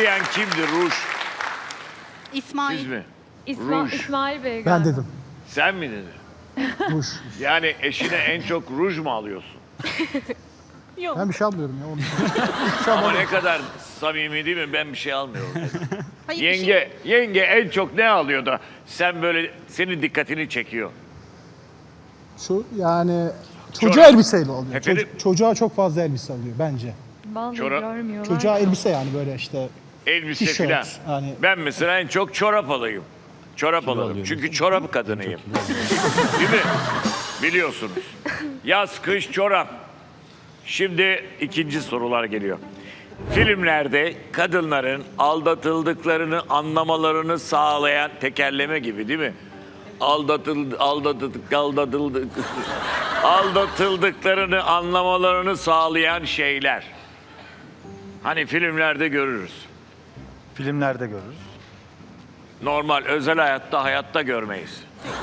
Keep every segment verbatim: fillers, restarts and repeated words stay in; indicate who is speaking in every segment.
Speaker 1: diyen kimdi ruj?
Speaker 2: İsmail.
Speaker 1: Siz mi?
Speaker 3: İsma
Speaker 1: Ruj.
Speaker 3: İsmail Bey
Speaker 4: Ben
Speaker 3: galiba.
Speaker 4: dedim.
Speaker 1: Sen mi dedin?
Speaker 4: Ruj.
Speaker 1: Yani eşine en çok ruj mu alıyorsun?
Speaker 3: Yok.
Speaker 4: Ben bir şey almıyorum ya. Onu. Bir şey
Speaker 1: Ama
Speaker 4: almadım.
Speaker 1: ne kadar samimi değil mi? Ben bir şey almıyorum.
Speaker 2: Hayır, bir şey-
Speaker 1: Yenge, yenge en çok ne alıyor da sen böyle senin dikkatini çekiyor?
Speaker 4: Şu yani çocuğa
Speaker 1: Çorap.
Speaker 4: elbiseyle oluyor.
Speaker 1: Efendim?
Speaker 4: Çocuk- çocuğa çok fazla elbise alıyor bence.
Speaker 3: Vallahi
Speaker 1: Çorap-
Speaker 3: görmüyorlar.
Speaker 4: Çocuğa elbise yani böyle işte.
Speaker 1: Elbise
Speaker 4: Tişört,
Speaker 1: filan.
Speaker 4: hani-
Speaker 1: Ben mesela en çok çorap alayım. Çorap alalım. Çünkü çorap kadınıyım. Değil mi? Biliyorsunuz. Yaz, kış, çorap. Şimdi ikinci sorular geliyor. Filmlerde kadınların aldatıldıklarını anlamalarını sağlayan tekerleme gibi değil mi? Aldatıldı, aldatıldık, aldatıldık. Aldatıldıklarını anlamalarını sağlayan şeyler. Hani filmlerde görürüz.
Speaker 5: Filmlerde görürüz.
Speaker 1: Normal özel hayatta hayatta görmeyiz.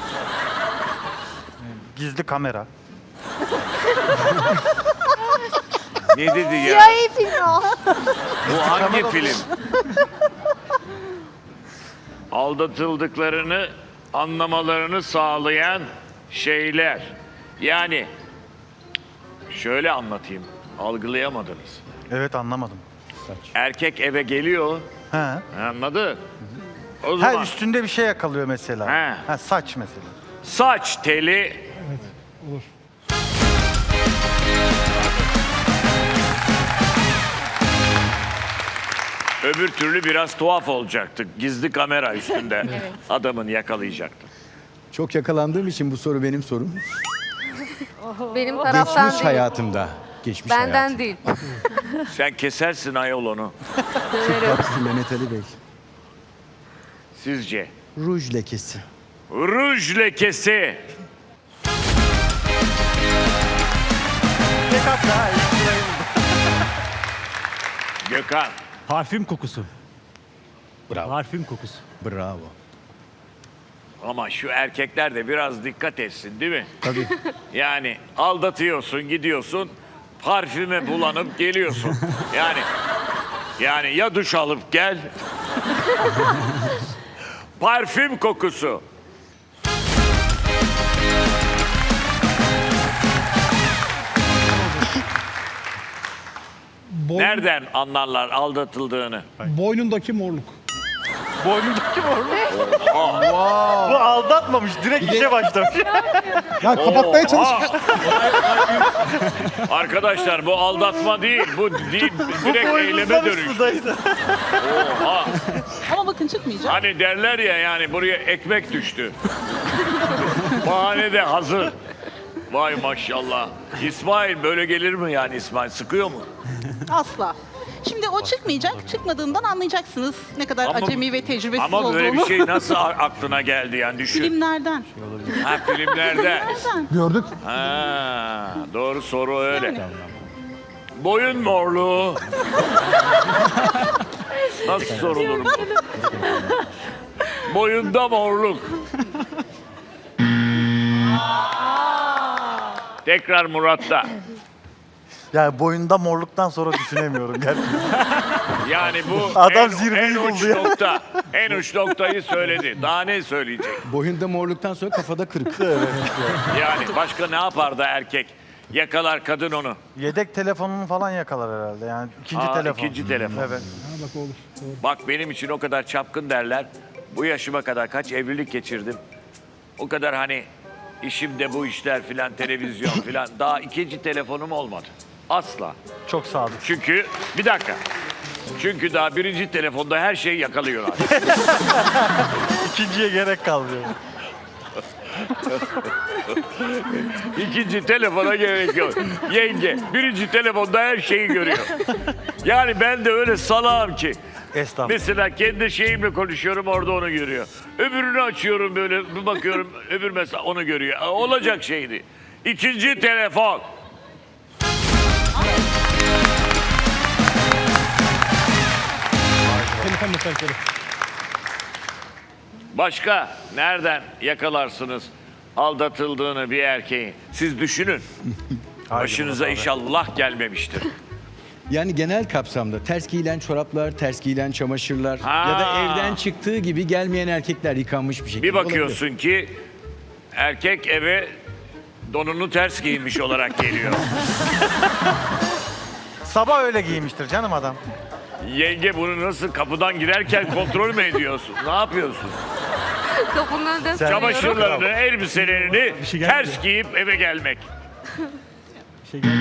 Speaker 5: Gizli kamera.
Speaker 1: Ne dedi ya?
Speaker 2: Siyahi film o.
Speaker 1: Bu hangi film? Aldatıldıklarını anlamalarını sağlayan şeyler. Yani şöyle anlatayım. Algılayamadınız.
Speaker 5: Evet, anlamadım.
Speaker 1: Erkek eve geliyor.
Speaker 5: He.
Speaker 1: Anladı? O zaman
Speaker 5: Ha, üstünde bir şey yakalıyor mesela.
Speaker 1: He.
Speaker 5: Ha, saç mesela.
Speaker 1: saç teli
Speaker 4: Olur.
Speaker 1: öbür türlü biraz tuhaf olacaktı. Gizli kamera üstünde adamın yakalayacaktı.
Speaker 6: Çok yakalandığım için bu soru benim sorum.
Speaker 7: Benim taraftan
Speaker 6: Geçmiş
Speaker 7: değil.
Speaker 6: hayatımda. Geçmiş
Speaker 7: Benden
Speaker 6: hayatım.
Speaker 7: değil.
Speaker 1: Sen kesersin ayol onu.
Speaker 6: Bak, Mehmet Ali Bey.
Speaker 1: Sizce?
Speaker 6: Ruj lekesi.
Speaker 1: Ruj lekesi.
Speaker 5: Tek hatta ha, ilk sırayı buldu.
Speaker 1: Gökhan.
Speaker 8: Parfüm kokusu.
Speaker 6: Bravo.
Speaker 8: Parfüm kokusu.
Speaker 6: Bravo.
Speaker 1: Ama şu erkekler de biraz dikkat etsin değil mi?
Speaker 6: Tabii.
Speaker 1: Yani aldatıyorsun, gidiyorsun, parfüme bulanıp geliyorsun. Yani yani ya duş alıp gel. Parfüm kokusu.
Speaker 4: Boy-
Speaker 1: Nereden anlarlar aldatıldığını?
Speaker 4: Boynundaki morluk.
Speaker 5: Boynundaki var mı? Bu aldatmamış, direkt işe başlamış.
Speaker 4: Ya kapatmaya
Speaker 1: Oha!
Speaker 4: çalışmış.
Speaker 1: Arkadaşlar bu aldatma değil, bu değil, direkt eyleme dönüş.
Speaker 5: Sudaydı.
Speaker 1: Oha!
Speaker 2: Ama bakın çıkmayacak.
Speaker 1: Hani derler ya yani buraya ekmek düştü. Bahane de hazır. Vay maşallah. İsmail böyle gelir mi yani İsmail? Sıkıyor mu?
Speaker 2: Asla. Şimdi o çıkmayacak. Çıkmadığından anlayacaksınız ne kadar
Speaker 1: Ama-
Speaker 2: acemi ve tecrübesiz
Speaker 1: Ama
Speaker 2: olduğunu.
Speaker 1: böyle bir şey nasıl a- aklına geldi yani düşün.
Speaker 2: Filmlerden.
Speaker 1: Ha filmlerde.
Speaker 2: Nereden?
Speaker 4: Gördük.
Speaker 1: Ha, doğru soru öyle.
Speaker 2: Yani.
Speaker 1: Boyun morluğu. Nasıl sorulur bu? Boyunda morluk. Tekrar Murat'ta.
Speaker 5: Yani boyunda morluktan sonra düşünemiyorum gerçekten.
Speaker 1: Yani bu
Speaker 5: Adam
Speaker 1: en,
Speaker 5: zirveyi
Speaker 1: en uç
Speaker 5: buldu ya.
Speaker 1: nokta. En uç noktayı söyledi. Daha ne söyleyecek?
Speaker 6: Boyunda morluktan sonra kafada kırık.
Speaker 1: Yani başka ne yapar da erkek? Yakalar kadın onu.
Speaker 5: Yedek telefonunu falan yakalar herhalde. Yani ikinci
Speaker 1: Aa,
Speaker 5: telefon.
Speaker 1: ikinci telefon.
Speaker 5: Evet.
Speaker 4: Ha bak olur. Doğru.
Speaker 1: Bak benim için o kadar çapkın derler. Bu yaşıma kadar kaç evlilik geçirdim. O kadar hani işimde bu işler filan, televizyon filan. Daha ikinci telefonum olmadı. Asla.
Speaker 5: Çok sadık.
Speaker 1: Çünkü bir dakika. Çünkü daha birinci telefonda her şeyi yakalıyorlar.
Speaker 5: İkinciye gerek kalmıyor.
Speaker 1: İkinci telefona gerek yok. Yenge birinci telefonda her şeyi görüyor. Yani ben de öyle salağım ki.
Speaker 5: Estağfurullah.
Speaker 1: Mesela kendi şeyimle konuşuyorum orada onu görüyor. Öbürünü açıyorum böyle bir bakıyorum öbür mesela onu görüyor. Olacak şeydi. İkinci telefon.
Speaker 4: Telefon mesajları.
Speaker 1: Başka nereden yakalarsınız aldatıldığını bir erkeğin? Siz düşünün.
Speaker 5: Haydi
Speaker 1: Başınıza
Speaker 5: Murat abi.
Speaker 1: inşallah gelmemiştir.
Speaker 6: Yani genel kapsamda ters giyilen çoraplar, ters giyilen çamaşırlar
Speaker 1: Ha.
Speaker 6: ya da evden çıktığı gibi gelmeyen erkekler yıkanmış bir şekilde
Speaker 1: Bir bakıyorsun ki erkek eve donunu ters giymiş olarak geliyor.
Speaker 5: Sabah öyle giymiştir canım adam.
Speaker 1: Yenge bunu nasıl kapıdan girerken kontrol mü ediyorsun? Ne yapıyorsun?
Speaker 7: Kapının önünde
Speaker 5: Sen-
Speaker 7: sürüyorum.
Speaker 1: Çamaşırlarını, elbiselerini
Speaker 4: Bir şey geldi
Speaker 1: ters giyip eve gelmek.
Speaker 4: Bir şey geldi.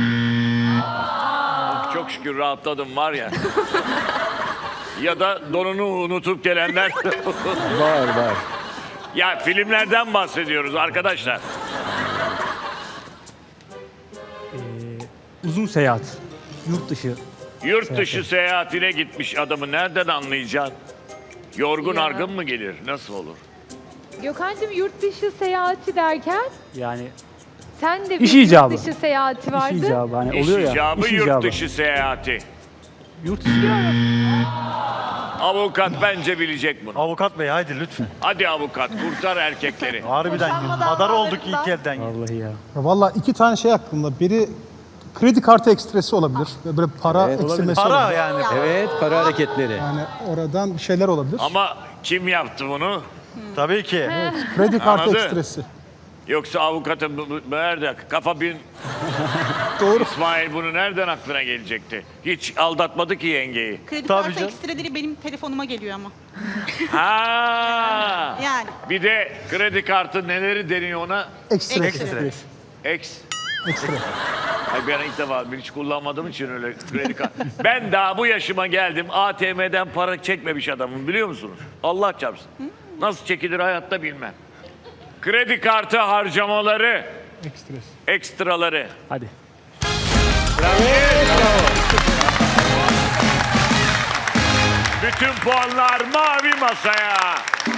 Speaker 1: Çok şükür rahatladım var ya. Ya da donunu unutup gelenler.
Speaker 6: Var var.
Speaker 1: Ya filmlerden bahsediyoruz arkadaşlar.
Speaker 8: Uzun seyahat. Yurt dışı.
Speaker 1: Yurt dışı seyahatine gitmiş adamı nereden anlayacaksın? Yorgun
Speaker 3: Ya.
Speaker 1: argın mı gelir? Nasıl olur?
Speaker 3: Gökhan'cığım yurt dışı seyahati derken
Speaker 8: Yani
Speaker 3: sen de bir
Speaker 8: İş icabı.
Speaker 3: yurt dışı seyahati vardı.
Speaker 8: iş icabı. Hani
Speaker 1: İş
Speaker 8: oluyor ya.
Speaker 1: icabı,
Speaker 8: iş
Speaker 1: yurt
Speaker 8: icabı.
Speaker 1: dışı seyahati.
Speaker 8: Yurt dışı.
Speaker 1: Avukat bence bilecek bunu.
Speaker 5: Avukat bey haydi lütfen.
Speaker 1: Hadi avukat kurtar erkekleri.
Speaker 5: Harbiden
Speaker 2: Boşanmadan
Speaker 5: madar olduk
Speaker 2: bahsettiler.
Speaker 5: ilk elden.
Speaker 8: Vallahi ya.
Speaker 4: Ya Valla iki tane şey aklımda. Biri kredi kartı ekstresi olabilir. Böyle para
Speaker 6: Evet,
Speaker 4: eksilmesi
Speaker 5: Para
Speaker 4: olabilir.
Speaker 5: yani.
Speaker 6: Evet, para hareketleri.
Speaker 4: Yani oradan bir şeyler olabilir.
Speaker 1: Ama kim yaptı bunu?
Speaker 5: Tabii ki.
Speaker 4: Kredi kartı
Speaker 1: Anladı.
Speaker 4: ekstresi.
Speaker 1: Yoksa avukatın bu- bu- nerede? Kafa bin
Speaker 4: Doğru.
Speaker 1: İsmail bunu nereden aklına gelecekti? Hiç aldatmadı ki yengeyi.
Speaker 2: Kredi
Speaker 5: Tabii
Speaker 2: kartı
Speaker 5: canım.
Speaker 2: ekstreleri benim telefonuma geliyor ama.
Speaker 1: Ha.
Speaker 2: Yani.
Speaker 1: Bir de kredi kartı neleri deniyor ona?
Speaker 4: Ekstra.
Speaker 5: Ekstra.
Speaker 1: Ex.
Speaker 4: Ekstra.
Speaker 1: Ay ben ilk defa bir hiç kullanmadığım için öyle kredi kartı. Ben daha bu yaşıma geldim A T M'den para çekmemiş adamım biliyor musunuz? Allah çarpsın. Nasıl çekilir hayatta bilmem. Kredi kartı harcamaları,
Speaker 4: Ekstresi.
Speaker 1: ekstraları.
Speaker 8: Hadi.
Speaker 1: Bütün puanlar mavi masaya.